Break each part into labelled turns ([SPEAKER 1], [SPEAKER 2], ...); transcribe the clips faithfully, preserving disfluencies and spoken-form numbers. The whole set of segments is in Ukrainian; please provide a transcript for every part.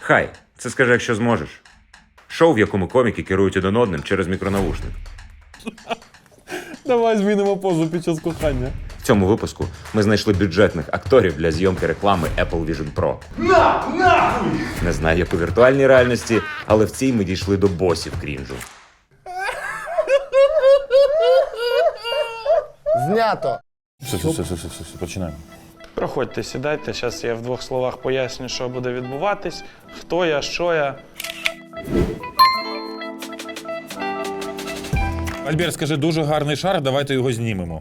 [SPEAKER 1] Хай, це скажи, якщо зможеш. Шоу, в якому коміки керують один одним через мікронавушник.
[SPEAKER 2] Давай змінимо позу під час кохання.
[SPEAKER 1] В цьому випуску ми знайшли бюджетних акторів для зйомки реклами Apple Vision Pro.
[SPEAKER 3] На, нахуй!
[SPEAKER 1] Не знаю, як у віртуальній реальності, але в цій ми дійшли до босів крінжу.
[SPEAKER 4] Знято.
[SPEAKER 2] Все, все, все, все, все, все, починаємо.
[SPEAKER 5] Проходьте, сідайте, зараз я в двох словах поясню, що буде відбуватись, хто я, що я.
[SPEAKER 2] Альберт, скажи, дуже гарний шар, давайте його знімемо.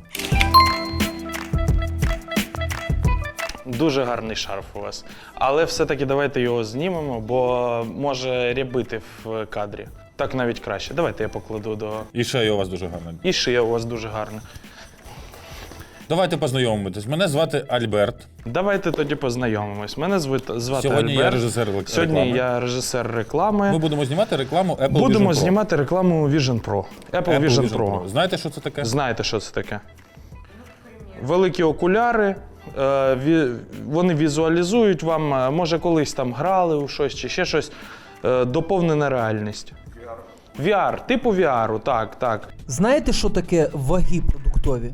[SPEAKER 5] Дуже гарний шарф у вас. Але все-таки давайте його знімемо, бо може рябити в кадрі. Так навіть краще. Давайте я покладу до...
[SPEAKER 2] І шея у вас дуже гарна.
[SPEAKER 5] І шия у вас дуже гарна.
[SPEAKER 2] Давайте познайомитись. Мене звати Альберт.
[SPEAKER 5] Давайте тоді познайомимось. Мене звати, звати
[SPEAKER 2] Сьогодні
[SPEAKER 5] Альберт.
[SPEAKER 2] я режисер реклами.
[SPEAKER 5] Сьогодні я режисер реклами.
[SPEAKER 2] Ми будемо знімати рекламу Apple Vision Pro.
[SPEAKER 5] Будемо знімати рекламу Vision Pro. Apple,
[SPEAKER 2] Apple
[SPEAKER 5] Vision,
[SPEAKER 2] Vision
[SPEAKER 5] Pro.
[SPEAKER 2] Pro. Знаєте, що це таке?
[SPEAKER 5] Знаєте, що це таке? Великі окуляри, е, ві- вони візуалізують вам, е, може колись там грали у щось чи ще щось, е, доповнена реальність. ві ар, типу ві ару, так, так.
[SPEAKER 6] Знаєте, що таке ваги продуктові?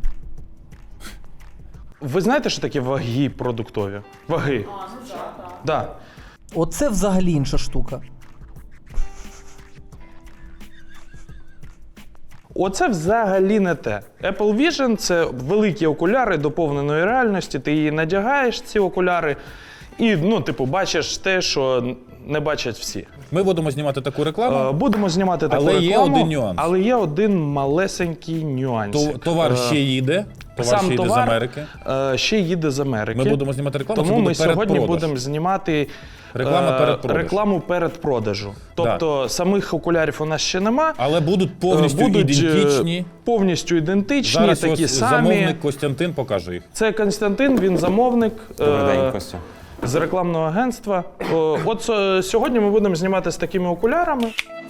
[SPEAKER 5] Ви знаєте, що таке ваги продуктові? Ваги. А, ну так, так. Да.
[SPEAKER 6] Оце взагалі інша штука.
[SPEAKER 5] Оце взагалі не те. Apple Vision – це великі окуляри доповненої реальності, ти її надягаєш, ці окуляри, і, ну, типу, бачиш те, що не бачать всі.
[SPEAKER 2] Ми будемо знімати таку рекламу.
[SPEAKER 5] Е, Будемо знімати таку
[SPEAKER 2] Але
[SPEAKER 5] рекламу.
[SPEAKER 2] є один нюанс.
[SPEAKER 5] Але є один малесенький нюансик.
[SPEAKER 2] То- Товар
[SPEAKER 5] Е,
[SPEAKER 2] ще їде. Товар
[SPEAKER 5] Сам
[SPEAKER 2] ще йде
[SPEAKER 5] товар
[SPEAKER 2] з Америки.
[SPEAKER 5] е, ще їде з Америки.
[SPEAKER 2] Ми будемо знімати рекламу,
[SPEAKER 5] Тому
[SPEAKER 2] це буде
[SPEAKER 5] ми сьогодні
[SPEAKER 2] передпродаж.
[SPEAKER 5] будемо знімати
[SPEAKER 2] Реклама
[SPEAKER 5] е,
[SPEAKER 2] передпродажу.
[SPEAKER 5] рекламу передпродажу. Тобто самих окулярів у нас ще нема.
[SPEAKER 2] Але будуть повністю
[SPEAKER 5] Е, будуть, е,
[SPEAKER 2] ідентичні.
[SPEAKER 5] Повністю ідентичні,
[SPEAKER 2] Зараз
[SPEAKER 5] такі
[SPEAKER 2] ось
[SPEAKER 5] самі.
[SPEAKER 2] замовник Костянтин покаже їх.
[SPEAKER 5] Це Константин, він замовник.
[SPEAKER 1] Добрий
[SPEAKER 5] е,
[SPEAKER 1] день, Костя.
[SPEAKER 5] З рекламного агентства. О, От е, сьогодні ми будемо знімати з такими окулярами.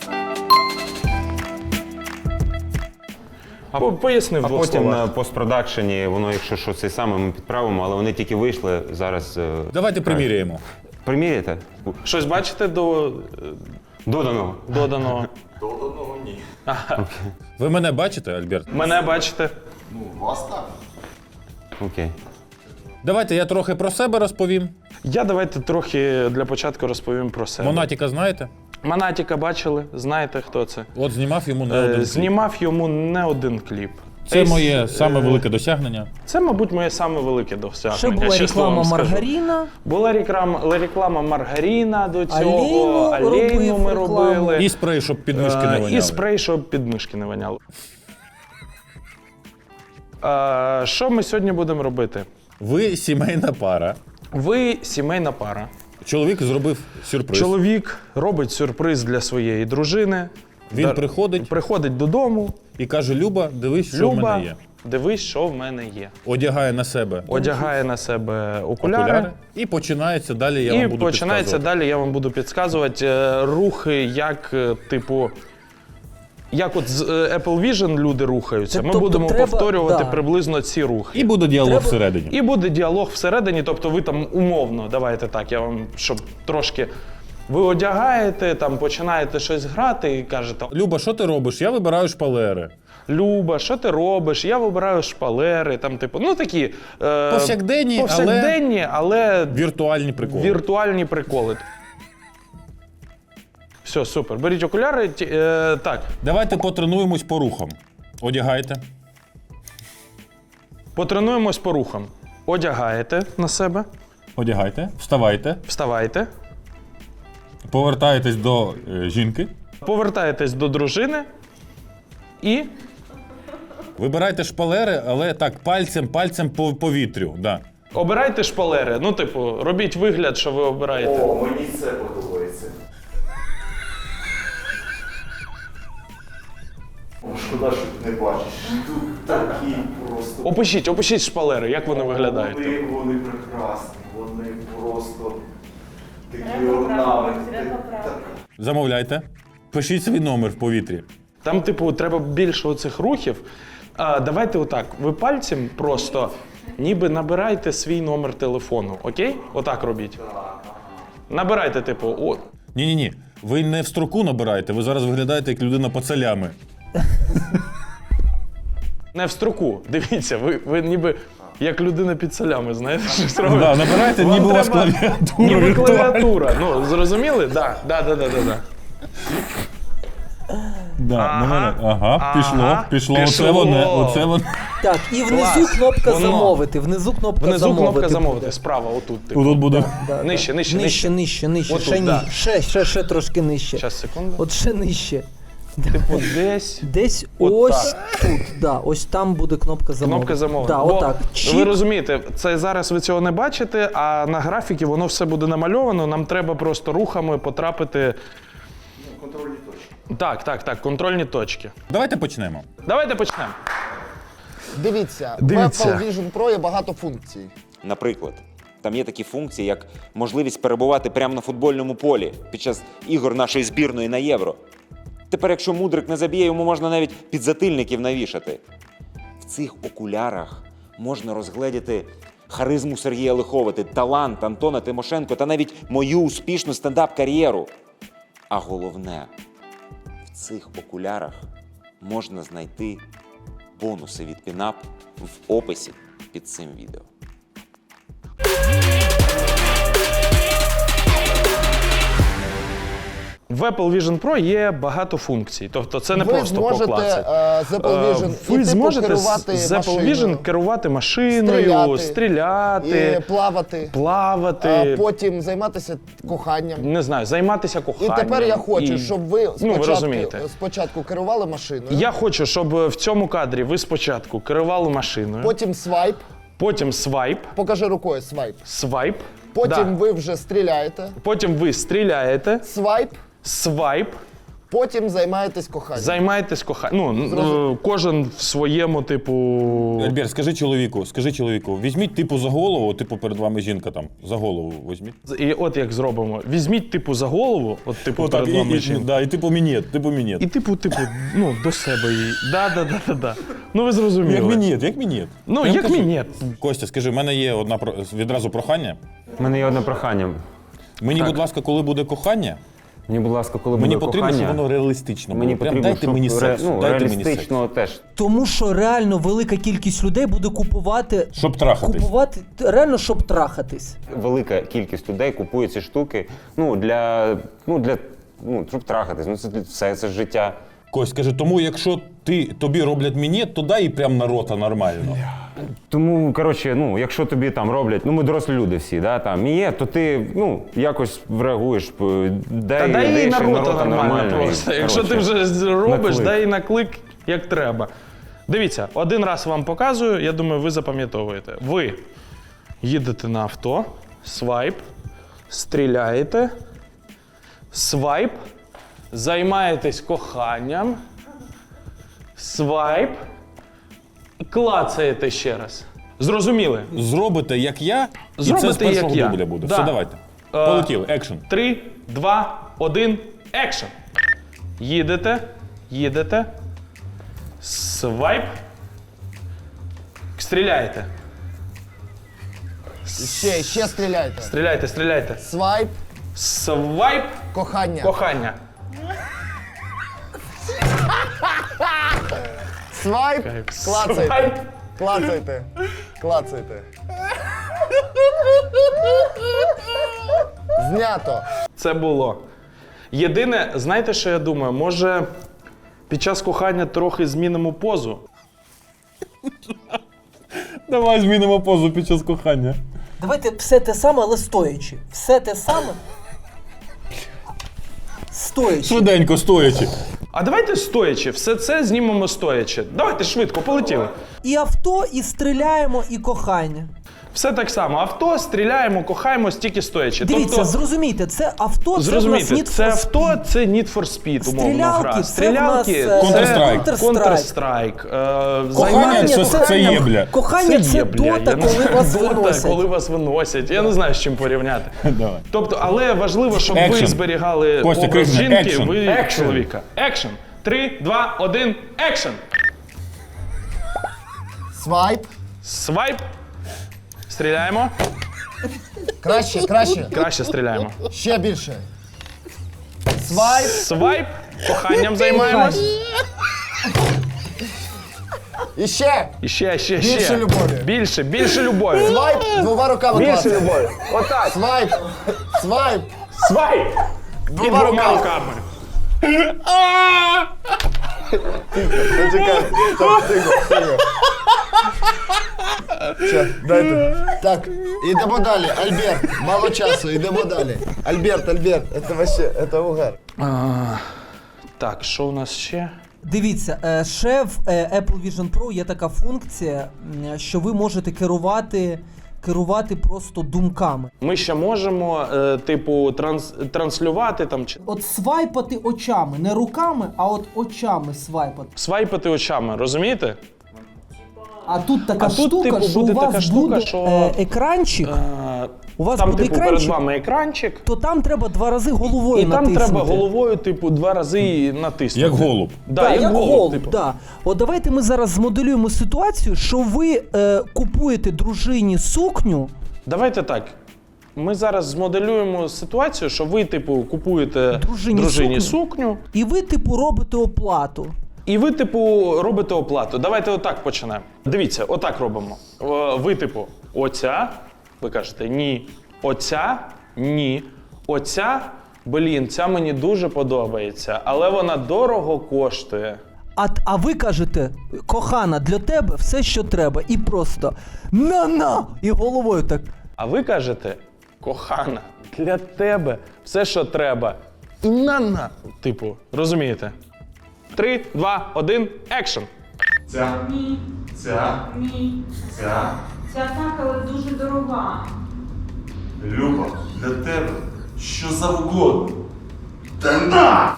[SPEAKER 5] По- Поясни в
[SPEAKER 1] А
[SPEAKER 5] двох
[SPEAKER 1] потім
[SPEAKER 5] словах.
[SPEAKER 1] на постпродакшені воно, якщо що, це саме ми підправимо, але вони тільки вийшли зараз. е,
[SPEAKER 2] Давайте приміряємо.
[SPEAKER 1] Приміряєте?
[SPEAKER 5] Щось бачите до е,
[SPEAKER 1] Доданого.
[SPEAKER 5] доданого?
[SPEAKER 2] Ви мене бачите, Альберт?
[SPEAKER 5] Мене бачите?
[SPEAKER 1] Окей.
[SPEAKER 2] Давайте я трохи про себе розповім.
[SPEAKER 5] Я давайте трохи для початку розповім про себе.
[SPEAKER 2] Монатіка знаєте?
[SPEAKER 5] Монатіка бачили, знаєте, хто це?
[SPEAKER 2] От знімав йому не
[SPEAKER 5] Е,
[SPEAKER 2] один кліп.
[SPEAKER 5] Знімав йому не один кліп.
[SPEAKER 2] Це
[SPEAKER 5] Ейс-
[SPEAKER 2] моє саме
[SPEAKER 5] е,
[SPEAKER 2] велике досягнення.
[SPEAKER 5] Це, мабуть, моє саме велике досягнення.
[SPEAKER 6] Ще була
[SPEAKER 5] чесно вам
[SPEAKER 6] реклама
[SPEAKER 5] скажу.
[SPEAKER 6] маргаріна.
[SPEAKER 5] Була реклама, реклама маргаріна до цього,
[SPEAKER 6] Алейну
[SPEAKER 5] алейну ми
[SPEAKER 6] робив
[SPEAKER 5] робили.
[SPEAKER 2] І спрей, щоб підмишки не
[SPEAKER 5] Е,
[SPEAKER 2] воняли.
[SPEAKER 5] І спрей, щоб підмишки не воняли. Е, Що ми сьогодні будемо робити?
[SPEAKER 2] Ви сімейна пара.
[SPEAKER 5] Ви сімейна пара.
[SPEAKER 2] Чоловік зробив сюрприз.
[SPEAKER 5] Чоловік робить сюрприз для своєї дружини.
[SPEAKER 2] Він
[SPEAKER 5] Дар-
[SPEAKER 2] приходить
[SPEAKER 5] Приходить додому.
[SPEAKER 2] і каже: Люба, дивись, що в
[SPEAKER 5] Люба,
[SPEAKER 2] мене є.
[SPEAKER 5] дивись, що в мене є.
[SPEAKER 2] Одягає на себе
[SPEAKER 5] Одягає на себе окуляри.
[SPEAKER 2] окуляри. І починається далі. Я
[SPEAKER 5] І
[SPEAKER 2] вам буду
[SPEAKER 5] починається
[SPEAKER 2] підказувати.
[SPEAKER 5] далі, я вам буду підказувати е, рухи, як, е, типу, як от з е, Apple Vision люди рухаються.
[SPEAKER 6] Це,
[SPEAKER 5] Ми
[SPEAKER 6] тобто,
[SPEAKER 5] будемо
[SPEAKER 6] треба-
[SPEAKER 5] повторювати
[SPEAKER 6] да.
[SPEAKER 5] приблизно ці рухи.
[SPEAKER 2] І буде діалог
[SPEAKER 6] Треба-
[SPEAKER 2] всередині.
[SPEAKER 5] І буде діалог всередині, тобто ви там умовно, давайте так, я вам, щоб трошки. Ви одягаєте, там починаєте щось грати і кажете:
[SPEAKER 2] Люба, що ти робиш? Я вибираю шпалери.
[SPEAKER 5] Люба, що ти робиш? Я вибираю шпалери, там, типу, ну такі е,
[SPEAKER 2] Повсякденні,
[SPEAKER 5] повсякденні, але
[SPEAKER 2] Віртуальні приколи.
[SPEAKER 5] віртуальні приколи. Все, супер. Беріть окуляри. ті- Е, так,
[SPEAKER 2] Давайте потренуємось по рухам. Одягайте.
[SPEAKER 5] потренуємось по рухам. Одягаєте на себе,
[SPEAKER 2] Одягайте. Вставайте.
[SPEAKER 5] вставайте,
[SPEAKER 2] Повертаєтесь до е, жінки.
[SPEAKER 5] повертаєтесь до дружини і
[SPEAKER 2] Вибирайте шпалери, але так, пальцем, пальцем по повітрю. Да.
[SPEAKER 5] обирайте шпалери. Ну, типу, робіть вигляд, що ви обираєте.
[SPEAKER 3] О, мені це подобається. О, шкода, що ти не бачиш. Тут такі просто.
[SPEAKER 5] Опишіть, опишіть шпалери, як вони виглядають.
[SPEAKER 3] Вони, вони прекрасні, вони просто такі орнаменти. Так.
[SPEAKER 2] Замовляйте. Пишіть свій номер в повітрі.
[SPEAKER 5] Там, типу, треба більше оцих рухів. А, давайте отак. Ви пальцем просто ніби набирайте свій номер телефону, окей? Отак робіть. Набирайте, типу, о,
[SPEAKER 2] Ні-ні-ні, ви не в строку набираєте, ви зараз виглядаєте як людина пацалями.
[SPEAKER 5] не в строку. Дивіться, ви, ви ніби як людина під солями, знаєте, щось робите.
[SPEAKER 2] Да, набирайте,
[SPEAKER 5] Вам
[SPEAKER 2] ніби у вас
[SPEAKER 5] треба-
[SPEAKER 2] клавіатура
[SPEAKER 5] Ніби
[SPEAKER 2] віртуальна.
[SPEAKER 5] клавіатура. Ну, зрозуміли? Да, да, да, да, да, да.
[SPEAKER 2] Да,
[SPEAKER 5] Ага.
[SPEAKER 2] на мене. Ага, пішло,
[SPEAKER 5] Ага.
[SPEAKER 2] пішло,
[SPEAKER 5] Пішло.
[SPEAKER 2] оце воно, оце воно.
[SPEAKER 6] Так, і внизу
[SPEAKER 5] Клас.
[SPEAKER 6] кнопка
[SPEAKER 5] Воно.
[SPEAKER 6] замовити. Внизу кнопка
[SPEAKER 5] Внизу
[SPEAKER 6] замовити.
[SPEAKER 5] кнопка замовити,
[SPEAKER 6] буде.
[SPEAKER 5] справа, отут. Типу.
[SPEAKER 2] Тут буде.
[SPEAKER 6] Да,
[SPEAKER 5] Нижче,
[SPEAKER 6] да.
[SPEAKER 5] нижче,
[SPEAKER 6] нижче, нижче, нижче.
[SPEAKER 5] Отут,
[SPEAKER 6] ще ні.
[SPEAKER 5] да.
[SPEAKER 6] Ще, ще, ще трошки нижче.
[SPEAKER 5] Щас, секунду.
[SPEAKER 6] От ще нижче.
[SPEAKER 5] Типу, десь.
[SPEAKER 6] Десь
[SPEAKER 5] От
[SPEAKER 6] ось тут, да, ось там буде кнопка замовити.
[SPEAKER 5] Кнопка замовити.
[SPEAKER 6] Да,
[SPEAKER 5] Бо
[SPEAKER 6] отак.
[SPEAKER 5] ви
[SPEAKER 6] Чик.
[SPEAKER 5] розумієте, це зараз ви цього не бачите, а на графіки воно все буде намальовано. Нам треба просто рухами потрапити.
[SPEAKER 3] Контрольні точки.
[SPEAKER 5] Так, так, так, контрольні точки.
[SPEAKER 2] Давайте почнемо.
[SPEAKER 5] Давайте почнемо.
[SPEAKER 4] Дивіться,
[SPEAKER 5] Дивіться.
[SPEAKER 4] в Apple Vision Pro є багато функцій.
[SPEAKER 1] Наприклад, там є такі функції, як можливість перебувати прямо на футбольному полі під час ігор нашої збірної на Євро. Тепер, якщо мудрик не заб'є, йому можна навіть підзатильників навішати. В цих окулярах можна розгледіти харизму Сергія Лиховити, талант Антона Тимошенко та навіть мою успішну стендап-кар'єру. А головне, в цих окулярах можна знайти бонуси від Пінап в описі під цим відео.
[SPEAKER 5] В Apple Vision Pro є багато функцій. Тобто це не
[SPEAKER 4] Ви
[SPEAKER 5] просто
[SPEAKER 4] зможете
[SPEAKER 5] поклацати.
[SPEAKER 4] е, з Apple
[SPEAKER 5] Е,
[SPEAKER 4] Vision
[SPEAKER 5] Ви
[SPEAKER 4] і, типу,
[SPEAKER 5] зможете
[SPEAKER 4] керувати
[SPEAKER 5] з Apple
[SPEAKER 4] машиною,
[SPEAKER 5] Vision керувати машиною,
[SPEAKER 4] стріляти,
[SPEAKER 5] стріляти,
[SPEAKER 4] і плавати,
[SPEAKER 5] плавати,
[SPEAKER 4] а потім займатися коханням.
[SPEAKER 5] не знаю, займатися
[SPEAKER 4] І
[SPEAKER 5] коханням.
[SPEAKER 4] тепер я хочу,
[SPEAKER 5] І-
[SPEAKER 4] щоб ви
[SPEAKER 5] Ну, ви
[SPEAKER 4] спочатку,
[SPEAKER 5] розумієте.
[SPEAKER 4] спочатку керували машиною,
[SPEAKER 5] Я хочу, щоб в цьому кадрі ви спочатку керували машиною,
[SPEAKER 4] потім свайп,
[SPEAKER 5] потім свайп,
[SPEAKER 4] покажи рукою свайп.
[SPEAKER 5] свайп,
[SPEAKER 4] Потім
[SPEAKER 5] да.
[SPEAKER 4] ви вже стріляєте,
[SPEAKER 5] потім ви стріляєте,
[SPEAKER 4] свайп,
[SPEAKER 5] свайп,
[SPEAKER 4] потім займаєтесь коханням.
[SPEAKER 5] займаєтесь коханням. Ну,
[SPEAKER 4] Зрозумів.
[SPEAKER 5] е, кожен в своєму, типу.
[SPEAKER 2] Альберт, скажи чоловіку, скажи чоловіку, візьміть типу за голову, типу перед вами жінка там, за голову візьміть.
[SPEAKER 5] І от як зробимо. Візьміть, типу, за голову, от, типу,
[SPEAKER 2] Отак,
[SPEAKER 5] перед
[SPEAKER 2] і,
[SPEAKER 5] вами
[SPEAKER 2] і,
[SPEAKER 5] жінка.
[SPEAKER 2] да, і типу мінет, типу мінет.
[SPEAKER 5] І типу, типу, ну, до себе її. Да, да, да, да, да. Ну ви зрозуміли.
[SPEAKER 2] Як мінет, як мінет.
[SPEAKER 5] Ну,
[SPEAKER 2] Прям
[SPEAKER 5] як
[SPEAKER 2] кажи.
[SPEAKER 5] мінет.
[SPEAKER 2] Костя, скажи, в мене є одна про- відразу прохання.
[SPEAKER 7] У мене є одне прохання.
[SPEAKER 2] Мені, будь ласка, коли буде кохання,
[SPEAKER 7] Мені, будь ласка, коли
[SPEAKER 2] мені
[SPEAKER 7] буде
[SPEAKER 2] потрібно,
[SPEAKER 7] кохання,
[SPEAKER 2] щоб воно реалістично було.
[SPEAKER 7] мені
[SPEAKER 2] Прям
[SPEAKER 7] потрібно,
[SPEAKER 2] дайте
[SPEAKER 7] щоб
[SPEAKER 2] мені
[SPEAKER 7] ре-
[SPEAKER 2] секс,
[SPEAKER 7] ну,
[SPEAKER 2] дайте мені секс.
[SPEAKER 7] реалістично теж.
[SPEAKER 6] Тому що реально велика кількість людей буде купувати.
[SPEAKER 2] Щоб трахатись.
[SPEAKER 6] Купувати реально, щоб трахатись.
[SPEAKER 7] Велика кількість людей купує ці штуки, ну, для, ну, для, ну, щоб трахатись. Ну, це для- все, це ж життя.
[SPEAKER 2] Кость, каже, тому якщо ти, тобі роблять мінет, то дай і прям на рота нормально.
[SPEAKER 7] Тому, коротше, ну, якщо тобі там роблять, ну, ми дорослі люди всі, да, там, є, то ти, ну, якось реагуєш, п- дай,
[SPEAKER 5] Та дай їй
[SPEAKER 7] дай
[SPEAKER 5] на
[SPEAKER 7] ще
[SPEAKER 5] рота нормально
[SPEAKER 7] і,
[SPEAKER 5] просто. Якщо ти
[SPEAKER 7] коротше,
[SPEAKER 5] вже робиш,
[SPEAKER 7] клик.
[SPEAKER 5] дай їй на клик як треба. Дивіться, один раз вам показую, я думаю, ви запам'ятовуєте. Ви їдете на авто, свайп, стріляєте, свайп, займаєтесь коханням, свайп, і клацаєте ще раз. Зрозуміли?
[SPEAKER 2] Зробите, як я, і
[SPEAKER 5] Зробите,
[SPEAKER 2] це з першого
[SPEAKER 5] як я.
[SPEAKER 2] дубля буде.
[SPEAKER 5] Да.
[SPEAKER 2] Все, давайте.
[SPEAKER 5] Е,
[SPEAKER 2] Полетіли, екшн.
[SPEAKER 5] Три, два, один, екшн. Їдете, їдете. Свайп. Стріляєте.
[SPEAKER 4] Ще, ще стріляйте.
[SPEAKER 5] Стріляйте, стріляйте.
[SPEAKER 4] Свайп,
[SPEAKER 5] Свайп.
[SPEAKER 4] кохання.
[SPEAKER 5] Кохання.
[SPEAKER 4] Свайп, клацайте.
[SPEAKER 5] Свайп.
[SPEAKER 4] Клацайте. Клацайте. Знято.
[SPEAKER 5] Це було. Єдине, знаєте, що я думаю? Може, під час кохання трохи змінимо позу?
[SPEAKER 2] Давай змінимо позу під час кохання.
[SPEAKER 6] Давайте все те саме, але стоячи. Все те саме. Стоячи.
[SPEAKER 2] Швиденько, стоячи.
[SPEAKER 5] А давайте стоячи, все це знімемо стоячи. Давайте швидко, полетіли.
[SPEAKER 6] І авто, і стріляємо, і кохання.
[SPEAKER 5] Все так само. Авто, стріляємо, кохаємо, стільки стоячи.
[SPEAKER 6] Дивіться,
[SPEAKER 5] тобто,
[SPEAKER 6] зрозумійте, це авто, це в нас
[SPEAKER 5] зрозумійте,
[SPEAKER 6] Need
[SPEAKER 5] це
[SPEAKER 6] for
[SPEAKER 5] авто,
[SPEAKER 6] Speed.
[SPEAKER 5] це Need for Speed, умовно
[SPEAKER 6] Стрілялки,
[SPEAKER 5] гра.
[SPEAKER 6] це в
[SPEAKER 5] Стрілялки,
[SPEAKER 6] нас, е,
[SPEAKER 2] Counter-Strike.
[SPEAKER 5] Counter-Strike. Е,
[SPEAKER 2] Кохання
[SPEAKER 5] займання-
[SPEAKER 2] це, це єбля.
[SPEAKER 6] Кохання це,
[SPEAKER 5] єбля, я
[SPEAKER 6] дота,
[SPEAKER 5] не
[SPEAKER 6] коли
[SPEAKER 5] знаю,
[SPEAKER 6] вас
[SPEAKER 5] дота,
[SPEAKER 6] виносять.
[SPEAKER 5] коли вас виносять. Я не знаю, з чим порівняти.
[SPEAKER 2] Давай.
[SPEAKER 5] Тобто, але важливо, щоб ви
[SPEAKER 2] Action.
[SPEAKER 5] зберігали
[SPEAKER 2] Костя,
[SPEAKER 5] образ
[SPEAKER 2] крикни,
[SPEAKER 5] жінки,
[SPEAKER 2] action.
[SPEAKER 5] ви
[SPEAKER 7] Action.
[SPEAKER 5] чоловіка. Екшн. Три, два, один, екшн.
[SPEAKER 4] Свайп,
[SPEAKER 5] Свайп. Стріляємо.
[SPEAKER 4] Краще, краще.
[SPEAKER 5] Краще стріляємо.
[SPEAKER 4] Ще більше. Свайп.
[SPEAKER 5] Свайп, коханням займаємось.
[SPEAKER 4] І ще.
[SPEAKER 5] І ще, ще,
[SPEAKER 4] Більше
[SPEAKER 5] ще.
[SPEAKER 4] любові.
[SPEAKER 5] Більше, більше любові.
[SPEAKER 4] Свайп двома руками
[SPEAKER 5] Більше
[SPEAKER 4] клацай.
[SPEAKER 5] любові. Отак.
[SPEAKER 4] Свайп. Свайп.
[SPEAKER 5] Свайп. І
[SPEAKER 4] Двома
[SPEAKER 5] двома
[SPEAKER 4] руками.
[SPEAKER 5] руками.
[SPEAKER 4] Почекай. Так, тихо, тихо. Ще, дайте. Так, ідемо далі. Альберт, мало часу, ідемо далі. Альберт, Альберт, це вообще, це угар.
[SPEAKER 5] А, так, що у нас ще?
[SPEAKER 6] Дивіться, е, ще в е, Apple Vision Pro є така функція, м, що ви можете керувати, керувати просто думками.
[SPEAKER 5] Ми ще можемо, е, типу, транс, транслювати там чи
[SPEAKER 6] От свайпати очами, не руками, а от очами свайпати.
[SPEAKER 5] свайпати очами, розумієте?
[SPEAKER 6] А тут така
[SPEAKER 5] А тут,
[SPEAKER 6] штука,
[SPEAKER 5] типу,
[SPEAKER 6] що
[SPEAKER 5] буде
[SPEAKER 6] у вас
[SPEAKER 5] така штука,
[SPEAKER 6] буде
[SPEAKER 5] що-
[SPEAKER 6] е, екранчик,
[SPEAKER 5] Е,
[SPEAKER 6] у вас
[SPEAKER 5] там,
[SPEAKER 6] буде
[SPEAKER 5] типу,
[SPEAKER 6] екранчик,
[SPEAKER 5] перед вами екранчик,
[SPEAKER 6] то там треба два рази головою
[SPEAKER 5] і там
[SPEAKER 6] натиснути.
[SPEAKER 5] треба головою, типу, два рази натиснути.
[SPEAKER 2] Як голуб.
[SPEAKER 5] Да,
[SPEAKER 6] Так,
[SPEAKER 5] як,
[SPEAKER 6] як
[SPEAKER 5] голуб,
[SPEAKER 6] голуб,
[SPEAKER 5] типу.
[SPEAKER 6] да. От давайте ми зараз змоделюємо ситуацію, що ви е, купуєте дружині сукню.
[SPEAKER 5] Давайте так. Ми зараз змоделюємо ситуацію, що ви, типу, купуєте
[SPEAKER 6] Дружині
[SPEAKER 5] дружині,
[SPEAKER 6] сукню.
[SPEAKER 5] сукню,
[SPEAKER 6] І ви, типу, робите оплату.
[SPEAKER 5] і ви, типу, робите оплату. Давайте отак почнемо. Дивіться, отак робимо. Е, Ви, типу, оця, ви кажете, ні. Оця, ні. Оця, блін, ця мені дуже подобається, але вона дорого коштує.
[SPEAKER 6] А, а ви кажете, кохана, для тебе все, що треба. І просто на-на! І головою так.
[SPEAKER 5] А ви кажете, кохана, для тебе все, що треба. І на-на. Типу, розумієте? Три, два, один, екшн.
[SPEAKER 3] Ця,
[SPEAKER 8] Ні,
[SPEAKER 3] ця,
[SPEAKER 8] ні.
[SPEAKER 3] ця.
[SPEAKER 8] Ця так, але дуже дорога.
[SPEAKER 3] Люба, для тебе що завгодно. Та на!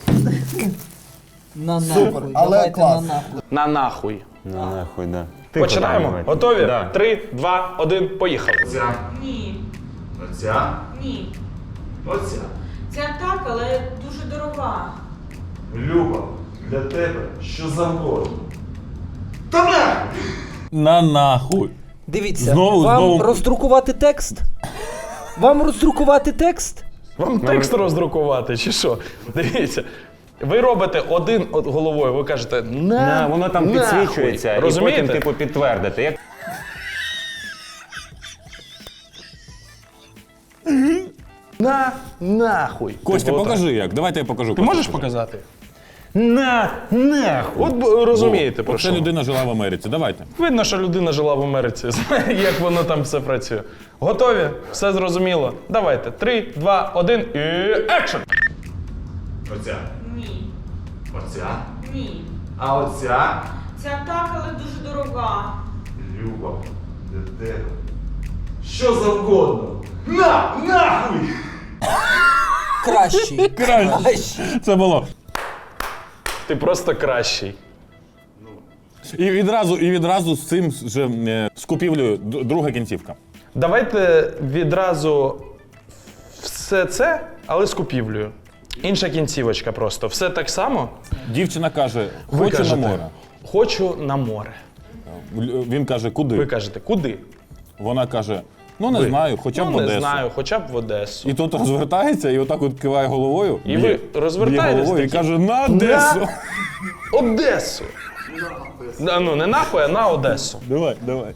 [SPEAKER 6] На
[SPEAKER 4] Супер,
[SPEAKER 6] нахуй,
[SPEAKER 4] але
[SPEAKER 6] давайте
[SPEAKER 4] клас.
[SPEAKER 6] на нахуй.
[SPEAKER 5] На нахуй.
[SPEAKER 7] Ну, нахуй, да.
[SPEAKER 5] Починаємо.
[SPEAKER 7] давай.
[SPEAKER 5] Готові?
[SPEAKER 7] Да.
[SPEAKER 5] Три, два, один, поїхали.
[SPEAKER 3] Ця,
[SPEAKER 8] Ні,
[SPEAKER 3] оця,
[SPEAKER 8] ні.
[SPEAKER 3] оця.
[SPEAKER 8] Ця так, але дуже дорога.
[SPEAKER 3] Люба, для тебе що завгодно. Та на!
[SPEAKER 2] На нахуй.
[SPEAKER 6] Дивіться,
[SPEAKER 2] Знову,
[SPEAKER 6] вам
[SPEAKER 2] знову.
[SPEAKER 6] роздрукувати текст? Вам роздрукувати текст?
[SPEAKER 5] Вам текст роздрукувати чи що? Дивіться. Ви робите один от головою, ви кажете на,
[SPEAKER 7] На, воно там
[SPEAKER 5] нахуй».
[SPEAKER 7] підсвічується,
[SPEAKER 5] Розумієте?
[SPEAKER 7] і потім, типу, підтвердити. Як...
[SPEAKER 5] На нахуй.
[SPEAKER 2] Костя,
[SPEAKER 5] Типу, отак.
[SPEAKER 2] покажи як. Давайте я покажу.
[SPEAKER 5] Ти можеш показати?
[SPEAKER 7] На, нахуй.
[SPEAKER 5] От б- розумієте про
[SPEAKER 2] Це
[SPEAKER 5] що.
[SPEAKER 2] людина жила в Америці. Давайте.
[SPEAKER 5] Видно, що людина жила в Америці, знає, як воно там все працює. Готові? Все зрозуміло? Давайте. Три, два, один і екшн!
[SPEAKER 3] Оця,
[SPEAKER 8] Ні,
[SPEAKER 3] оця,
[SPEAKER 8] ні.
[SPEAKER 3] а оця.
[SPEAKER 8] Ця так, але дуже дорога.
[SPEAKER 3] Люба, для тебе що завгодно. На! Нахуй!
[SPEAKER 6] Кращий. Кращий.
[SPEAKER 2] Це було.
[SPEAKER 5] Ти просто кращий.
[SPEAKER 2] І відразу, і відразу з цим же е, з купівлею д- друга кінцівка.
[SPEAKER 5] Давайте відразу все це, але з купівлею. Інша кінцівочка просто. Все так само.
[SPEAKER 2] Дівчина каже,
[SPEAKER 5] Ви
[SPEAKER 2] хочу
[SPEAKER 5] кажете,
[SPEAKER 2] на море.
[SPEAKER 5] Хочу на море.
[SPEAKER 2] Л- Він каже, куди?
[SPEAKER 5] Ви кажете, куди?
[SPEAKER 2] Вона каже, ну не
[SPEAKER 5] Ви.
[SPEAKER 2] знаю, хоча б
[SPEAKER 5] ну,
[SPEAKER 2] в Одесу.
[SPEAKER 5] не знаю, хоча б в Одесу.
[SPEAKER 2] І тут розвертається і отак от киває головою.
[SPEAKER 5] І
[SPEAKER 2] б'є-
[SPEAKER 5] ви розвертаєтесь
[SPEAKER 2] б'є головою і
[SPEAKER 5] такі,
[SPEAKER 2] каже, на Одесу.
[SPEAKER 5] Одесу! Да, ну не нахуй, а на Одесу.
[SPEAKER 2] Давай, давай.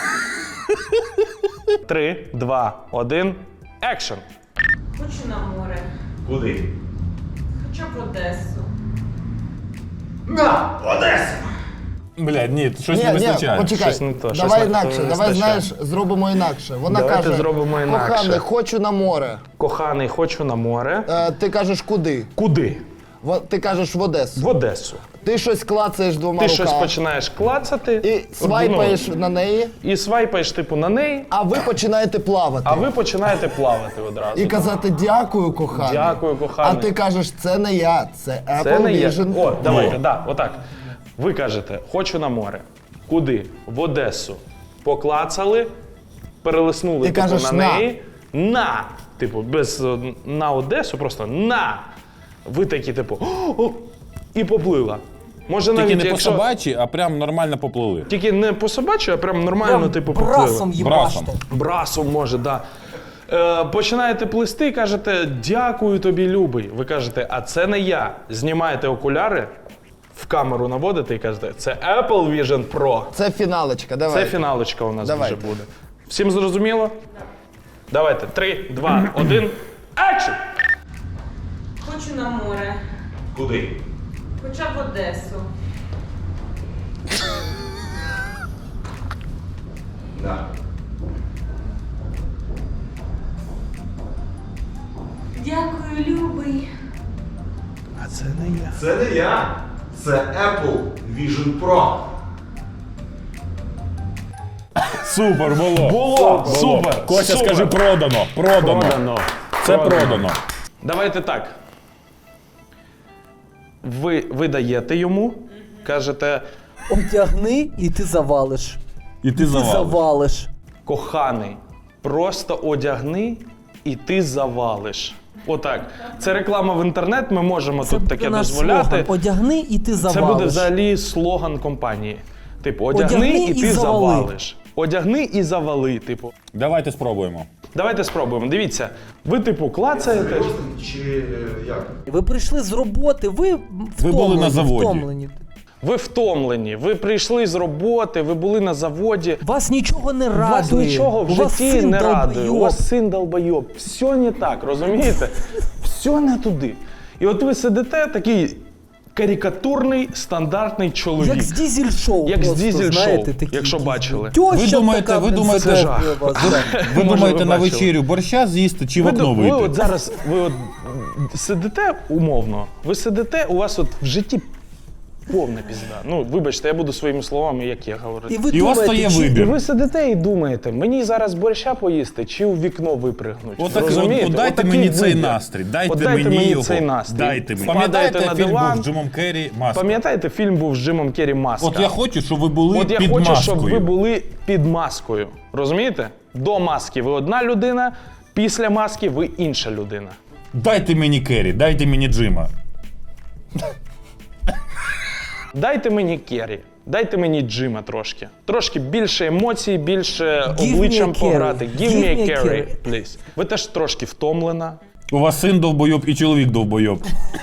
[SPEAKER 5] Три, два, один, екшн.
[SPEAKER 8] Хочу на море.
[SPEAKER 3] Куди?
[SPEAKER 8] Хоча б в Одесу.
[SPEAKER 3] На! Одесу!
[SPEAKER 2] Блядь, ні, щось
[SPEAKER 4] Ні,
[SPEAKER 2] не
[SPEAKER 4] ні,
[SPEAKER 2] вистачає.
[SPEAKER 4] почекай.
[SPEAKER 5] Щось не то, щось
[SPEAKER 4] давай
[SPEAKER 5] не-
[SPEAKER 4] інакше,
[SPEAKER 5] то не
[SPEAKER 4] давай,
[SPEAKER 5] вистачає.
[SPEAKER 4] знаєш, зробимо інакше. Вона
[SPEAKER 5] Давайте
[SPEAKER 4] каже,
[SPEAKER 5] зробимо інакше.
[SPEAKER 4] коханий, хочу на море.
[SPEAKER 5] Коханий, хочу на море.
[SPEAKER 4] Е, ти кажеш, куди?
[SPEAKER 5] Куди?
[SPEAKER 4] В- ти кажеш, в Одесу.
[SPEAKER 5] В Одесу.
[SPEAKER 4] Ти щось клацаєш двома
[SPEAKER 5] Ти
[SPEAKER 4] руками.
[SPEAKER 5] щось починаєш клацати.
[SPEAKER 4] І свайпаєш
[SPEAKER 5] ну,
[SPEAKER 4] на неї,
[SPEAKER 5] і свайпаєш, типу, на неї,
[SPEAKER 4] а ви починаєте плавати.
[SPEAKER 5] а ви починаєте плавати одразу.
[SPEAKER 4] І казати дякую, коханий.
[SPEAKER 5] Дякую, коханий.
[SPEAKER 4] А ти кажеш, це не я, це Apple
[SPEAKER 5] Це не є.
[SPEAKER 4] Vision.
[SPEAKER 5] О, давайте, да, отак. Ви кажете, хочу на море. Куди? В Одесу. Поклацали, перелиснули
[SPEAKER 4] Ти
[SPEAKER 5] типу,
[SPEAKER 4] кажеш,
[SPEAKER 5] на
[SPEAKER 4] «на».
[SPEAKER 5] неї. На! Типу, без е, на Одесу, просто на. Ви такі, типу, «О!» і поплила. Може
[SPEAKER 2] Тільки
[SPEAKER 5] навіть
[SPEAKER 2] не по
[SPEAKER 5] якщо...
[SPEAKER 2] собачі, а прям нормально поплили.
[SPEAKER 5] Тільки не по собачі, а прям нормально,
[SPEAKER 6] Прям
[SPEAKER 5] типу, поплила.
[SPEAKER 6] брасом їбаште.
[SPEAKER 2] Брасом.
[SPEAKER 5] Брасом може, да. Е, починаєте плести, кажете, дякую тобі, любий. Ви кажете, а це не я. Знімаєте окуляри, в камеру наводите і кажете, це Apple Vision Pro.
[SPEAKER 4] Це фіналочка, давай.
[SPEAKER 5] Це фіналочка у нас
[SPEAKER 4] Давай.
[SPEAKER 5] вже буде. Всім зрозуміло? Давайте, три, два, один, екшн!
[SPEAKER 8] Хочу на море.
[SPEAKER 1] Куди?
[SPEAKER 8] Хоча б Одесу.
[SPEAKER 1] Да.
[SPEAKER 8] Дякую, любий.
[SPEAKER 5] А це не я.
[SPEAKER 3] Це не я. Це Apple Vision Pro.
[SPEAKER 2] Супер, було.
[SPEAKER 5] Було, супер,
[SPEAKER 2] Костя,
[SPEAKER 5] супер.
[SPEAKER 2] скажи продано. Продано.
[SPEAKER 7] Продано.
[SPEAKER 2] Це продано.
[SPEAKER 5] Давайте так. Ви, ви даєте йому, кажете,
[SPEAKER 6] Одягни і ти завалиш.
[SPEAKER 2] І ти
[SPEAKER 6] Ти
[SPEAKER 2] завалиш.
[SPEAKER 6] завалиш.
[SPEAKER 5] коханий, просто одягни і ти завалиш. Отак. Це реклама в інтернет, ми можемо
[SPEAKER 6] Це
[SPEAKER 5] тут
[SPEAKER 6] буде
[SPEAKER 5] таке
[SPEAKER 6] наш
[SPEAKER 5] дозволяти.
[SPEAKER 6] слоган. Одягни і ти завалиш.
[SPEAKER 5] Це буде взагалі слоган компанії. Типу, одягни,
[SPEAKER 6] Одягни
[SPEAKER 5] і
[SPEAKER 6] і
[SPEAKER 5] ти
[SPEAKER 6] завали.
[SPEAKER 5] завалиш. Одягни і завали, типу.
[SPEAKER 2] Давайте спробуємо.
[SPEAKER 5] Давайте спробуємо. Дивіться, ви, типу, клацаєте.
[SPEAKER 3] Серйозно чи е, як?
[SPEAKER 6] Ви прийшли з роботи, ви втомлені.
[SPEAKER 2] Ви були на заводі.
[SPEAKER 6] Втомлені.
[SPEAKER 5] Ви втомлені, ви прийшли з роботи, ви були на заводі.
[SPEAKER 6] Вас нічого не радує.
[SPEAKER 5] Вас нічого в
[SPEAKER 6] У вас
[SPEAKER 5] житті
[SPEAKER 6] син
[SPEAKER 5] не радує. У
[SPEAKER 6] долбойоб.
[SPEAKER 5] вас син долбойоб. Все не так, розумієте? Все не туди. І от ви сидите такий карикатурний, стандартний чоловік.
[SPEAKER 6] Як з дізель-шоу.
[SPEAKER 5] Як з
[SPEAKER 6] просто,
[SPEAKER 5] дізель-шоу,
[SPEAKER 6] знаєте, такі
[SPEAKER 5] якщо
[SPEAKER 6] дізель.
[SPEAKER 5] бачили.
[SPEAKER 6] Тьоща
[SPEAKER 2] Ви думаєте-
[SPEAKER 6] така,
[SPEAKER 2] ви
[SPEAKER 6] блін,
[SPEAKER 2] думаєте-
[SPEAKER 6] захоплює вас, да.
[SPEAKER 2] Ви
[SPEAKER 5] Може,
[SPEAKER 2] думаєте
[SPEAKER 5] ви
[SPEAKER 2] на
[SPEAKER 5] бачили.
[SPEAKER 2] вечерю борща з'їсти чи в
[SPEAKER 5] Ви,
[SPEAKER 2] окно
[SPEAKER 5] ви
[SPEAKER 2] вийти?
[SPEAKER 5] от зараз, ви от сидите умовно, ви сидите, у вас от в житті повна пізда. Ну, вибачте, я буду своїми словами, як я говорю.
[SPEAKER 6] І ви
[SPEAKER 2] І у вас
[SPEAKER 6] думаєте,
[SPEAKER 2] стає
[SPEAKER 6] чи-
[SPEAKER 5] І
[SPEAKER 2] вибір.
[SPEAKER 5] ви сидите і думаєте, мені зараз борща поїсти чи у вікно випригнуть.
[SPEAKER 2] Отак,
[SPEAKER 5] Розумієте?
[SPEAKER 2] от, от дайте
[SPEAKER 5] Отакий
[SPEAKER 2] мені цей
[SPEAKER 5] вибір.
[SPEAKER 2] настрій. Дайте,
[SPEAKER 5] От дайте
[SPEAKER 2] мені
[SPEAKER 5] мені
[SPEAKER 2] його.
[SPEAKER 5] цей настрій.
[SPEAKER 2] Дайте мені.
[SPEAKER 5] Впадаєте
[SPEAKER 2] Пам'ятаєте,
[SPEAKER 5] на
[SPEAKER 2] фільм
[SPEAKER 5] диван.
[SPEAKER 2] був з Джимом Керрі «Маска»?
[SPEAKER 5] Пам'ятаєте, фільм був з Джимом Керрі «Маска»?
[SPEAKER 2] От я хочу, щоб ви були
[SPEAKER 5] От я
[SPEAKER 2] під
[SPEAKER 5] хочу,
[SPEAKER 2] маскою.
[SPEAKER 5] щоб ви були під маскою. Розумієте? До маски ви одна людина, після маски ви інша людина.
[SPEAKER 2] Дайте мені Керрі, дайте мені Джима.
[SPEAKER 5] Дайте мені Керрі, дайте мені Джима трошки. Трошки більше емоцій, більше
[SPEAKER 6] Give me
[SPEAKER 5] обличчям
[SPEAKER 6] a Kerry.
[SPEAKER 5] пограти. Give
[SPEAKER 6] Give
[SPEAKER 5] me a
[SPEAKER 6] me a
[SPEAKER 5] Kerry,
[SPEAKER 6] Kerry.
[SPEAKER 5] please. Ви теж трошки втомлена.
[SPEAKER 2] У вас син довбойоб і чоловік довбойоб.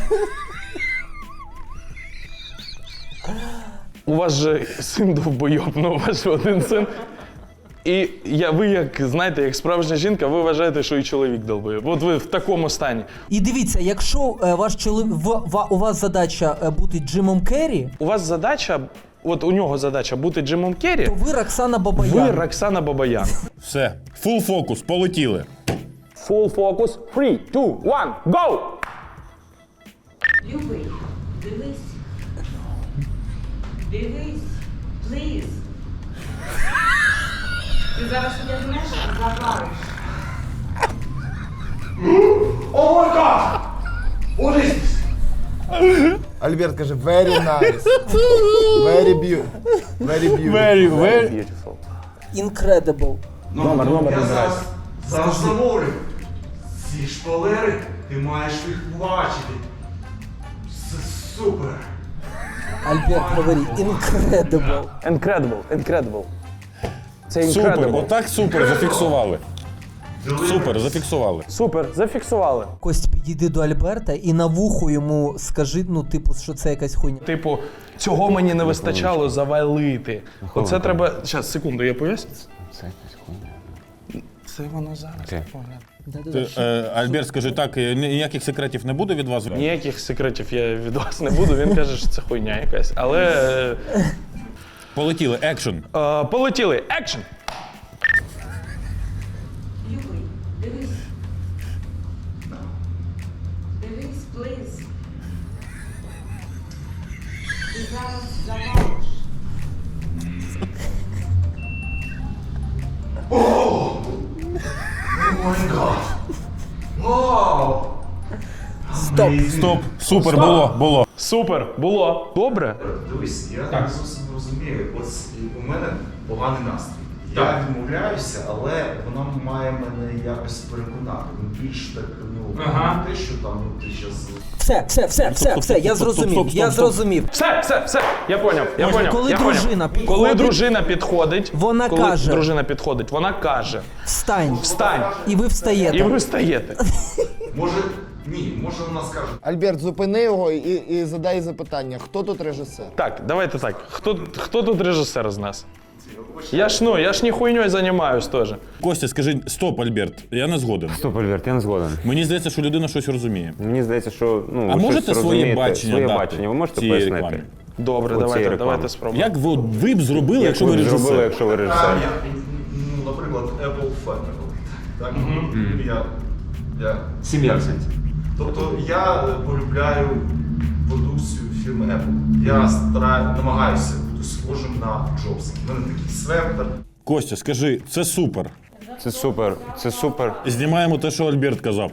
[SPEAKER 5] У вас же син довбойоб, ну у вас же один син. І я, ви, як знаєте, як справжня жінка, ви вважаєте, що і чоловік довбойоб. От ви в такому стані.
[SPEAKER 6] І дивіться, якщо е, ваш чоловік, в- ва- у вас задача е, бути Джимом Керрі,
[SPEAKER 5] У вас задача, от у нього задача бути Джимом Керрі,
[SPEAKER 6] то ви Роксана Бабаян.
[SPEAKER 5] ви Роксана Бабаян.
[SPEAKER 2] Все, фул фокус, полетіли.
[SPEAKER 5] Full focus, three, two, one, go!
[SPEAKER 8] Любий, дивись. Дивись, пліз. Ти зараз одягнеш і завалиш.
[SPEAKER 3] О май гад! What is this?
[SPEAKER 4] Альберт каже, very nice. Very beautiful. Very beautiful.
[SPEAKER 2] Very, very.
[SPEAKER 6] Incredible.
[SPEAKER 3] Номер, номер я зараз, зараз замовлю. Ці шпалери ти маєш їх бачити. Це супер.
[SPEAKER 6] Альберт, говори, incredible.
[SPEAKER 5] Incredible, incredible. Це
[SPEAKER 2] Супер,
[SPEAKER 5] incredible.
[SPEAKER 2] отак супер, зафіксували. Супер, зафіксували.
[SPEAKER 5] Супер, зафіксували.
[SPEAKER 6] Кость, підійди до Альберта і на вухо йому скажи, ну, типу, що це якась хуйня.
[SPEAKER 5] Типу, цього мені не вистачало завалити. Оце треба. Зараз, секунду, я поясню.
[SPEAKER 7] Це якась хуйня.
[SPEAKER 5] Це воно зараз.
[SPEAKER 7] Окей.
[SPEAKER 2] Ти, е, Альберт, скажи так, е, ніяких секретів не буде від вас?
[SPEAKER 5] Ніяких секретів я від вас не буду. Він каже, що це хуйня якась. Але. е,
[SPEAKER 2] Полетіли, екшн.
[SPEAKER 5] е, полетіли. Екшн!
[SPEAKER 8] Любий, дивись. Дивись, пліз. Ти зараз завалиш.
[SPEAKER 3] О май гад! Вау!
[SPEAKER 6] Стоп.
[SPEAKER 2] Стоп, супер, було, було.
[SPEAKER 5] Супер! Було. Добре?
[SPEAKER 3] Дивись, я не зовсім не розумію. Ось у мене поганий настрій. Я відмовляюся, але вона має мене якось переконати. Ну, більш так, ну,
[SPEAKER 5] Ага.
[SPEAKER 3] не те, що там ну, ти щас...
[SPEAKER 6] Все, все, все, все, все, я зрозумів, я зрозумів.
[SPEAKER 5] Все, все, все, я поняв, я
[SPEAKER 6] Може,
[SPEAKER 5] поняв.
[SPEAKER 6] коли
[SPEAKER 5] я
[SPEAKER 6] дружина
[SPEAKER 5] поняв.
[SPEAKER 6] підходить,
[SPEAKER 5] коли дружина підходить,
[SPEAKER 6] вона
[SPEAKER 5] коли
[SPEAKER 6] каже.
[SPEAKER 5] дружина підходить, вона каже:
[SPEAKER 6] Встань.
[SPEAKER 5] встань,
[SPEAKER 6] І ви встаєте.
[SPEAKER 5] і ви встаєте.
[SPEAKER 3] Може, ні, може вона скаже,
[SPEAKER 4] Альберт, зупини його і, і задай запитання. Хто тут режисер?
[SPEAKER 5] Так, давайте так. Хто, хто тут режисер з нас? Я ж ну, я ж не хуйньою займаюсь теж.
[SPEAKER 2] Костя, скажи, стоп, Альберт, я не згоден.
[SPEAKER 7] Стоп, Альберт, я не згоден.
[SPEAKER 2] Мені здається, що людина щось розуміє.
[SPEAKER 7] Мені здається, що ну,
[SPEAKER 2] А
[SPEAKER 7] ви
[SPEAKER 2] можете
[SPEAKER 7] щось
[SPEAKER 2] своє
[SPEAKER 7] розумієте.
[SPEAKER 2] бачення
[SPEAKER 7] Своє
[SPEAKER 2] дати
[SPEAKER 7] бачення, ви можете
[SPEAKER 2] цієї
[SPEAKER 7] пояснити?
[SPEAKER 2] реклами?
[SPEAKER 5] Добре,
[SPEAKER 7] Оцієї
[SPEAKER 5] давайте,
[SPEAKER 7] реклами.
[SPEAKER 5] давайте спробуємо.
[SPEAKER 2] Як ви, ви б зробили,
[SPEAKER 7] Як
[SPEAKER 2] якщо
[SPEAKER 7] ви
[SPEAKER 2] ви
[SPEAKER 7] б зробили,
[SPEAKER 2] режисер?
[SPEAKER 7] якщо ви
[SPEAKER 3] а,
[SPEAKER 7] режисер?
[SPEAKER 3] я, ну, наприклад, Apple Family. Так? Я, я...
[SPEAKER 1] Сім'я в сенсі.
[SPEAKER 3] Тобто я полюбляю продукцію фірми Apple. Я стараю, намагаюся бути схожим на Джобса. У мене такий свертер.
[SPEAKER 2] Костя, скажи, це супер.
[SPEAKER 7] Це супер, це супер.
[SPEAKER 2] Знімаємо те, що Альберт казав.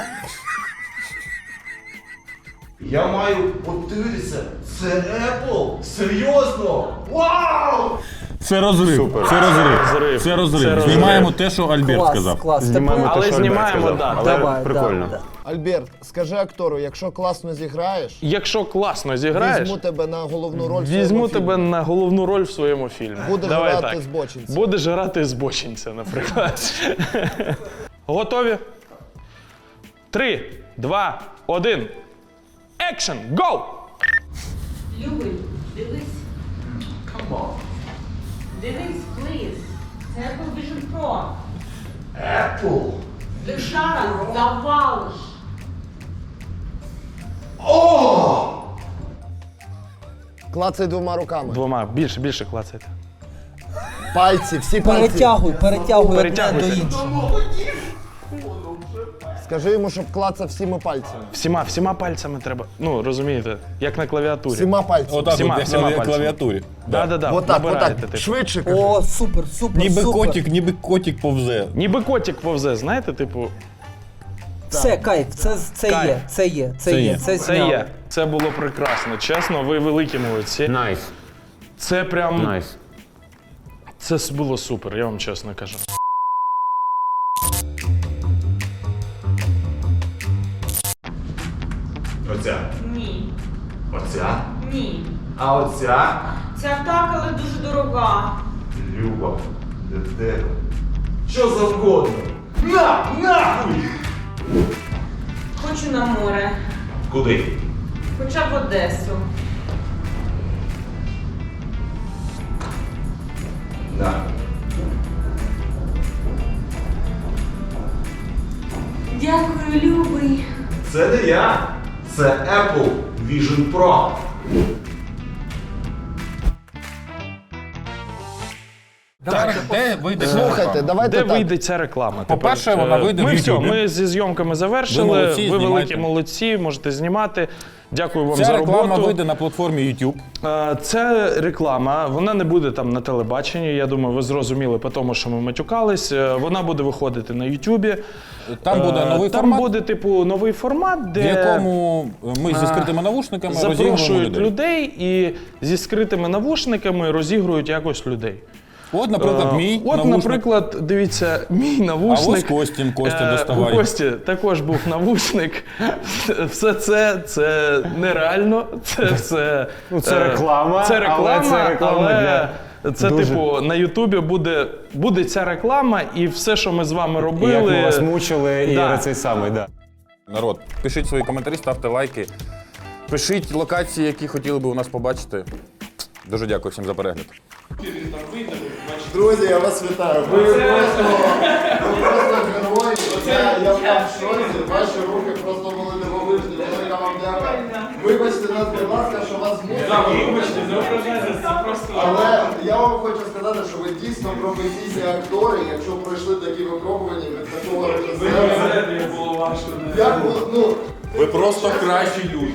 [SPEAKER 3] Я маю, от дивитися, це Apple? Серйозно? Вау!
[SPEAKER 2] Це розрив.
[SPEAKER 7] Супер.
[SPEAKER 2] Це розрив.
[SPEAKER 5] Розрив.
[SPEAKER 2] Це розрив.
[SPEAKER 5] Це розрив.
[SPEAKER 2] Знімаємо те, що Альберт
[SPEAKER 6] Клас,
[SPEAKER 2] сказав.
[SPEAKER 6] клас.
[SPEAKER 7] Знімаємо
[SPEAKER 6] Тепер-
[SPEAKER 7] те,
[SPEAKER 5] Але
[SPEAKER 7] що Альберт
[SPEAKER 5] знімаємо,
[SPEAKER 7] сказав.
[SPEAKER 5] да,
[SPEAKER 7] Але
[SPEAKER 6] давай,
[SPEAKER 7] прикольно.
[SPEAKER 6] да, да.
[SPEAKER 4] Альберт, скажи актору, якщо класно зіграєш,
[SPEAKER 5] Якщо класно зіграєш,
[SPEAKER 4] візьму тебе на головну роль в
[SPEAKER 5] візьму
[SPEAKER 4] своєму
[SPEAKER 5] тебе
[SPEAKER 4] фільмі.
[SPEAKER 5] на головну роль в своєму фільмі.
[SPEAKER 4] Будеш
[SPEAKER 5] Давай
[SPEAKER 4] грати
[SPEAKER 5] так.
[SPEAKER 4] збочинця.
[SPEAKER 5] Будеш грати збочинця, наприклад. Готові? Три, два, один. Екшн! Гоу!
[SPEAKER 8] Любий, дивись.
[SPEAKER 3] Come on.
[SPEAKER 8] Дивись, плиз. Це Apple Vision Pro.
[SPEAKER 3] Apple?
[SPEAKER 8] Лишара завалиш.
[SPEAKER 3] О!
[SPEAKER 4] Клацай двома руками.
[SPEAKER 5] Двома, більше, більше клацайте.
[SPEAKER 4] Пальці, всі пальці.
[SPEAKER 6] Перетягуй, перетягуй одне
[SPEAKER 5] Перетягуйте.
[SPEAKER 6] до іншого.
[SPEAKER 4] Скажи йому, щоб клацав всіма пальцями.
[SPEAKER 5] Всіма, всіма пальцями треба. Ну, розумієте, як на клавіатурі.
[SPEAKER 4] Всіма пальцями.
[SPEAKER 2] Отак,
[SPEAKER 5] Всіма,
[SPEAKER 2] от, як
[SPEAKER 5] всіма
[SPEAKER 2] на
[SPEAKER 5] пальцями.
[SPEAKER 2] клавіатурі.
[SPEAKER 5] Да, да, да.
[SPEAKER 4] Отак,
[SPEAKER 5] набираєте,
[SPEAKER 4] отак.
[SPEAKER 5] типу.
[SPEAKER 4] Швидше кажи.
[SPEAKER 6] О, супер, супер,
[SPEAKER 2] Ніби
[SPEAKER 6] супер.
[SPEAKER 2] котик, ніби котик повзе.
[SPEAKER 5] Ніби котик повзе, знаєте, типу,
[SPEAKER 6] Все, кайф, це, це
[SPEAKER 5] Кайф.
[SPEAKER 6] є, це є, це,
[SPEAKER 2] Це
[SPEAKER 6] є,
[SPEAKER 2] є.
[SPEAKER 6] це
[SPEAKER 5] це
[SPEAKER 6] зняли.
[SPEAKER 5] є. Це було прекрасно. Чесно, ви великі молодці.
[SPEAKER 7] Найс,
[SPEAKER 5] Це прям.
[SPEAKER 7] найс.
[SPEAKER 5] Це с- було супер, я вам чесно кажу.
[SPEAKER 3] Оця.
[SPEAKER 8] Ні.
[SPEAKER 3] Оця.
[SPEAKER 8] Ні.
[SPEAKER 3] А оця?
[SPEAKER 8] Ця так, але дуже дорога.
[SPEAKER 3] Люба. Де? Що завгодно. На! Нахуй!
[SPEAKER 8] Хочу на море.
[SPEAKER 3] Куди?
[SPEAKER 8] Хоча б в Одесу.
[SPEAKER 3] На.
[SPEAKER 8] Дякую, любий.
[SPEAKER 3] Це не я. Це Apple Vision Pro.
[SPEAKER 2] Де вийде?
[SPEAKER 4] Слухайте, давайте
[SPEAKER 5] Де
[SPEAKER 4] так.
[SPEAKER 5] вийде ця реклама?
[SPEAKER 2] По-перше,
[SPEAKER 5] тепер?
[SPEAKER 2] вона
[SPEAKER 5] Е,
[SPEAKER 2] вийде в
[SPEAKER 5] Ми все,
[SPEAKER 2] Ютубі.
[SPEAKER 5] ми зі зйомками завершили.
[SPEAKER 2] Ви молодці,
[SPEAKER 5] Ви великі
[SPEAKER 2] знімайте.
[SPEAKER 5] молодці, можете знімати. Дякую вам
[SPEAKER 2] Ця
[SPEAKER 5] за
[SPEAKER 2] реклама
[SPEAKER 5] роботу.
[SPEAKER 2] вийде на платформі YouTube.
[SPEAKER 5] Е, Це реклама, вона не буде там на телебаченні. Я думаю, ви зрозуміли по тому, що ми матюкались. Е, Вона буде виходити на Ютубі.
[SPEAKER 2] Там буде
[SPEAKER 5] Е,
[SPEAKER 2] новий
[SPEAKER 5] там
[SPEAKER 2] формат,
[SPEAKER 5] буде, типу, новий формат, де
[SPEAKER 2] в якому ми зі скритими навушниками розігруємо
[SPEAKER 5] запрошують
[SPEAKER 2] людей.
[SPEAKER 5] людей і зі скритими навушниками розігрують якось людей.
[SPEAKER 2] От, наприклад,
[SPEAKER 5] Е,
[SPEAKER 2] мій
[SPEAKER 5] От,
[SPEAKER 2] навушник.
[SPEAKER 5] наприклад, дивіться, мій навушник.
[SPEAKER 2] А ось Костін, Костя,
[SPEAKER 5] Е,
[SPEAKER 2] доставай.
[SPEAKER 5] У Кості також був навушник. Все це, це нереально. Це все.
[SPEAKER 7] Ну, це
[SPEAKER 5] е,
[SPEAKER 7] реклама,
[SPEAKER 5] Це реклама,
[SPEAKER 7] але це реклама
[SPEAKER 5] але
[SPEAKER 7] для
[SPEAKER 5] це,
[SPEAKER 7] дуже-
[SPEAKER 5] типу, на Ютубі буде, буде ця реклама, і все, що ми з вами робили.
[SPEAKER 7] Як ми вас мучили,
[SPEAKER 5] Да.
[SPEAKER 7] і цей самий, да.
[SPEAKER 2] Народ, пишіть свої коментарі, ставте лайки. Пишіть локації, які хотіли би у нас побачити. Дуже дякую всім за перегляд.
[SPEAKER 4] Друзі, я вас вітаю. Ви просто, ви просто герої. Я, я в шоці. Ваші руки просто були дивовижні. Велика вам дяка. Вибачте нас, будь ласка, що вас мусимо. Але я вам хочу сказати, що ви дійсно професійні актори. Якщо пройшли такі випробування від такого режисера. Як було, ну,
[SPEAKER 3] Ви просто кращі люди.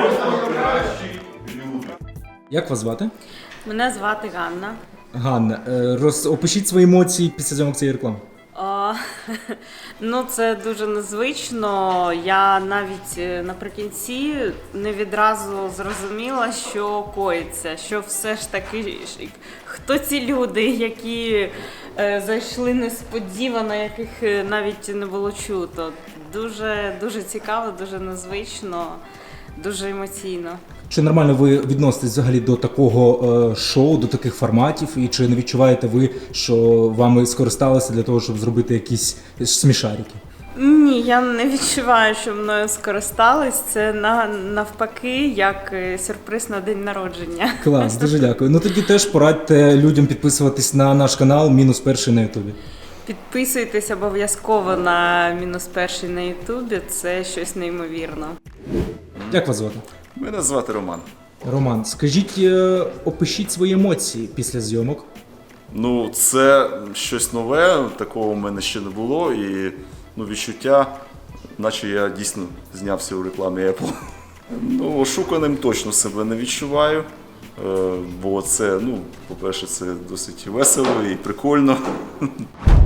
[SPEAKER 9] Як вас звати?
[SPEAKER 8] Мене звати Ганна.
[SPEAKER 9] Ганна. Е, Роз... Опишіть свої емоції після зйомок цієї реклами.
[SPEAKER 8] О,
[SPEAKER 10] А, ну, це дуже незвично. Я навіть е, наприкінці не відразу зрозуміла, що коїться, що все ж таки, ж- хто ці люди, які е, зайшли несподівано, яких е, навіть не було чуто. Дуже, дуже цікаво, дуже незвично, дуже емоційно.
[SPEAKER 9] Чи нормально ви відноситесь взагалі до такого е, шоу, до таких форматів, і чи не відчуваєте ви, що вами скористалися для того, щоб зробити якісь смішарики?
[SPEAKER 10] Ні, я не відчуваю, що мною скористались. Це на, навпаки, як е, сюрприз на день народження.
[SPEAKER 9] Клас, дуже дякую. Ну тоді теж порадьте людям підписуватись на наш канал Мінус Перший на Ютубі.
[SPEAKER 10] Підписуйтесь обов'язково на мінус перший на Ютубі. Це щось неймовірно.
[SPEAKER 9] Як вас звати?
[SPEAKER 11] Мене звати Роман.
[SPEAKER 9] Роман, скажіть, е, опишіть свої емоції після зйомок.
[SPEAKER 11] Ну, це щось нове, такого в мене ще не було, і ну, відчуття, наче я дійсно знявся у рекламі Apple. Ну, ошуканим точно себе не відчуваю, е, бо це, ну, по-перше, це досить весело і прикольно.